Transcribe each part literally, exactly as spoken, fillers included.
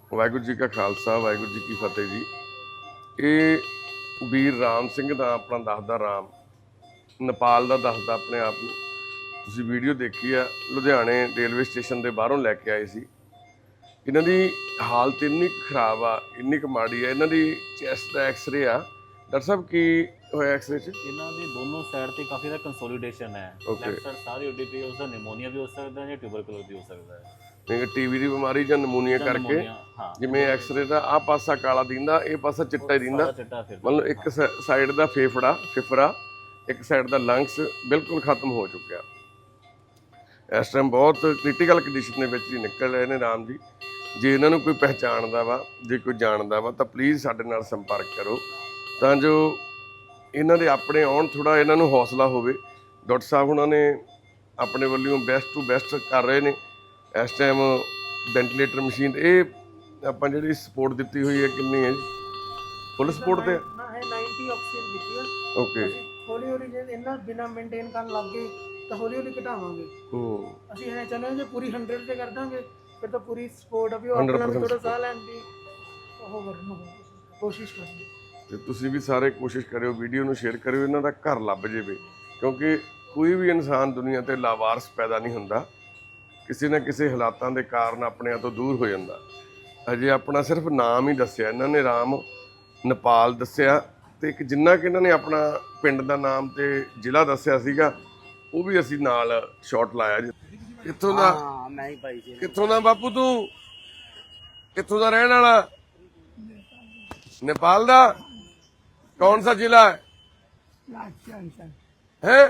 ਵਾਹਿਗੁਰੂ ਜੀ ਕਾ ਖਾਲਸਾ ਵਾਹਿਗੁਰੂ ਜੀ ਕੀ ਫਤਿਹ ਜੀ। ਇਹ ਵੀਰ ਰਾਮ ਸਿੰਘ ਦਾ ਆਪਣਾ ਦੱਸਦਾ, ਰਾਮ ਨੇਪਾਲ ਦਾ ਦੱਸਦਾ ਆਪਣੇ ਆਪ ਨੂੰ। ਤੁਸੀਂ ਵੀਡੀਓ ਦੇਖੀ ਆ, ਲੁਧਿਆਣੇ ਰੇਲਵੇ ਸਟੇਸ਼ਨ ਦੇ ਬਾਹਰੋਂ ਲੈ ਕੇ ਆਏ ਸੀ। ਇਹਨਾਂ ਦੀ ਹਾਲਤ ਇੰਨੀ ਕੁ ਖਰਾਬ ਆ, ਇੰਨੀ ਕੁ ਮਾੜੀ ਆ। ਇਹਨਾਂ ਦੀ ਚੈਸਟ ਦਾ ਐਕਸਰੇ ਆ। ਡਾਕਟਰ ਸਾਹਿਬ ਕੀ ਹੋਇਆ ਐਕਸਰੇ 'ਚ? ਇਹਨਾਂ ਦੇ ਦੋਨੋਂ ਸਾਈਡ ਤੇ ਕਾਫੀ ਦਾ ਕੰਸੋਲੀਡੇਸ਼ਨ ਹੈ। ਲੈਫਟ ਸਾਈਡ ਸਾਰੀ ਉੱਡੀ ਪਈ, ਉਸਦਾ ਨਿਮੋਨੀਆ ਵੀ ਹੋ ਸਕਦਾ ਹੈ ਜਾਂ ਟਿਊਬਰਕਲੋਸ ਵੀ ਹੋ ਸਕਦਾ ਹੈ। ਨਹੀਂ, ਟੀਵੀ ਦੀ ਬਿਮਾਰੀ ਜਾਂ ਨਮੂਨੀਆ ਕਰਕੇ ਜਿਵੇਂ ਐਕਸਰੇ ਦਾ ਆਹ ਪਾਸਾ ਕਾਲਾ ਦਿੰਦਾ, ਇਹ ਪਾਸਾ ਚਿੱਟਾ ਹੀ ਦਿੰਦਾ। ਮਤਲਬ ਇੱਕ ਸਾਈਡ ਦਾ ਫੇਫੜਾ ਫਿਫਰਾ, ਇੱਕ ਸਾਈਡ ਦਾ ਲੰਗਸ ਬਿਲਕੁਲ ਖਤਮ ਹੋ ਚੁੱਕਿਆ। ਇਸ ਟਾਈਮ ਬਹੁਤ ਕ੍ਰਿਟੀਕਲ ਕੰਡੀਸ਼ਨ ਦੇ ਵਿੱਚ ਹੀ ਨਿਕਲ ਰਹੇ ਨੇ ਰਾਮ ਜੀ। ਜੇ ਇਹਨਾਂ ਨੂੰ ਕੋਈ ਪਹਿਚਾਣਦਾ ਵਾ, ਜੇ ਕੋਈ ਜਾਣਦਾ ਵਾ, ਤਾਂ ਪਲੀਜ਼ ਸਾਡੇ ਨਾਲ ਸੰਪਰਕ ਕਰੋ, ਤਾਂ ਜੋ ਇਹਨਾਂ ਦੇ ਆਪਣੇ ਆਉਣ, ਥੋੜਾ ਇਹਨਾਂ ਨੂੰ ਹੌਸਲਾ ਹੋਵੇ। ਡਾਕਟਰ ਸਾਹਿਬ ਉਹਨਾਂ ਨੇ ਆਪਣੇ ਵੱਲੋਂ ਬੈਸਟ ਟੂ ਬੈਸਟ ਕਰ ਰਹੇ ਨੇ। ਇਸ ਟਾਈਮ ਵੈਂਟੀਲੇਟਰ ਮਸ਼ੀਨ, ਇਹ ਆਪਾਂ ਜਿਹੜੀ ਸਪੋਰਟ ਦਿੱਤੀ ਹੋਈ ਹੈ ਕਿੰਨੀ ਹੈ ਜੀ? ਫੁੱਲ ਸਪੋਰਟ ਤੇ ਨਾ ਹੈ ਨੱਬੇ ਆਕਸੀਜਨ ਦਿੱਤੀ ਹੈ। ਓਕੇ, ਹੌਲੀ ਹੌਲੀ ਜੇ ਇਹਨਾਂ ਬਿਨਾ ਮੇਨਟੇਨ ਕਰਨ ਲੱਗ ਗਏ ਤਾਂ ਹੌਲੀ ਹੌਲੀ ਘਟਾਵਾਂਗੇ। ਹੂੰ, ਅਸੀਂ ਇਹ ਚਾਹੁੰਦੇ ਹਾਂ ਜੇ ਪੂਰੀ ਸੌ ਤੇ ਕਰ ਦਾਂਗੇ ਫਿਰ ਤਾਂ ਪੂਰੀ ਸਪੋਰਟ ਆ ਵੀ ਉਹ ਆਪਣਾ ਵੀ ਥੋੜਾ ਸਾਹ ਲੈਣ ਦੀ ਉਹ ਕਰਨ ਕੋਸ਼ਿਸ਼ ਕਰਾਂਗੇ। ਤੇ ਤੁਸੀਂ ਵੀ ਸਾਰੇ ਕੋਸ਼ਿਸ਼ ਕਰਿਓ, ਵੀਡੀਓ ਨੂੰ ਸ਼ੇਅਰ ਕਰਿਓ, ਇਹਨਾਂ ਦਾ ਘਰ ਲੱਭ ਜਾਵੇ। ਕਿਉਂਕਿ ਕੋਈ ਵੀ ਇਨਸਾਨ ਦੁਨੀਆ ਤੇ ਲਾਵਾਰਸ ਪੈਦਾ ਨਹੀਂ ਹੁੰਦਾ, ਕਿਸੇ ਨਾ ਕਿਸੇ ਹਾਲਾਤਾਂ ਦੇ ਕਾਰਨ ਆਪਣੇ ਤੋਂ ਦੂਰ ਹੋ ਜਾਂਦਾ। ਅਜੇ ਆਪਣਾ ਸਿਰਫ ਨਾਮ ਹੀ ਦੱਸਿਆ ਇਹਨਾਂ ਨੇ, ਰਾਮ ਨੇਪਾਲ ਦੱਸਿਆ, ਤੇ ਇੱਕ ਜਿੰਨਾ ਕਿ ਇਹਨਾਂ ਨੇ ਆਪਣਾ ਪਿੰਡ ਦਾ ਨਾਮ ਤੇ ਜ਼ਿਲ੍ਹਾ ਦੱਸਿਆ ਸੀਗਾ, ਉਹ ਵੀ ਅਸੀਂ ਨਾਲ ਸ਼ਾਟ ਲਾਇਆ ਜੀ। ਕਿੱਥੋਂ ਦਾ? ਮੈਂ ਹੀ ਭਾਈ ਜੀ। ਕਿੱਥੋਂ ਦਾ ਬਾਪੂ ਤੂੰ? ਕਿੱਥੋਂ ਦਾ ਰਹਿਣ ਵਾਲਾ? नेपाल दा? कौन सा जिला है? है?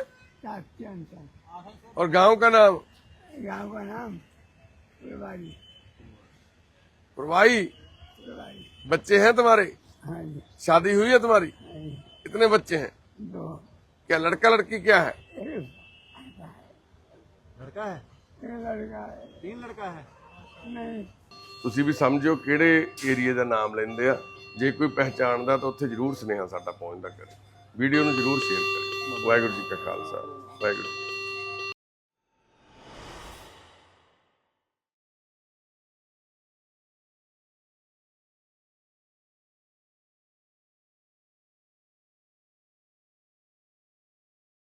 और गांव का नाम? गांव का नाम प्रभाई। प्रभाई। बच्चे हैं तुम्हारे? हाँ जी। शादी हुई है तुम्हारी? कितने बच्चे हैं? दो। क्या लड़का लड़की क्या है? लड़का है। लड़का है। तीन लड़का है। नहीं। ਤੁਸੀਂ ਵੀ ਸਮਝੋ ਕਿਹੜੇ ਏਰੀਏ ਦਾ ਨਾਮ ਲੈਂਦੇ ਆ। ਜੇ ਕੋਈ ਪਹਿਚਾਣਦਾ ਤਾਂ ਉੱਥੇ ਜ਼ਰੂਰ ਸੁਨੇਹਾ ਸਾਡਾ ਪਹੁੰਚਦਾ ਕਰੇ। ਵੀਡੀਓ ਨੂੰ ਜ਼ਰੂਰ ਸ਼ੇਅਰ ਕਰੇ। ਵਾਹਿਗੁਰੂ ਜੀ ਕਾ ਖਾਲਸਾ ਵਾਹਿਗੁਰੂ।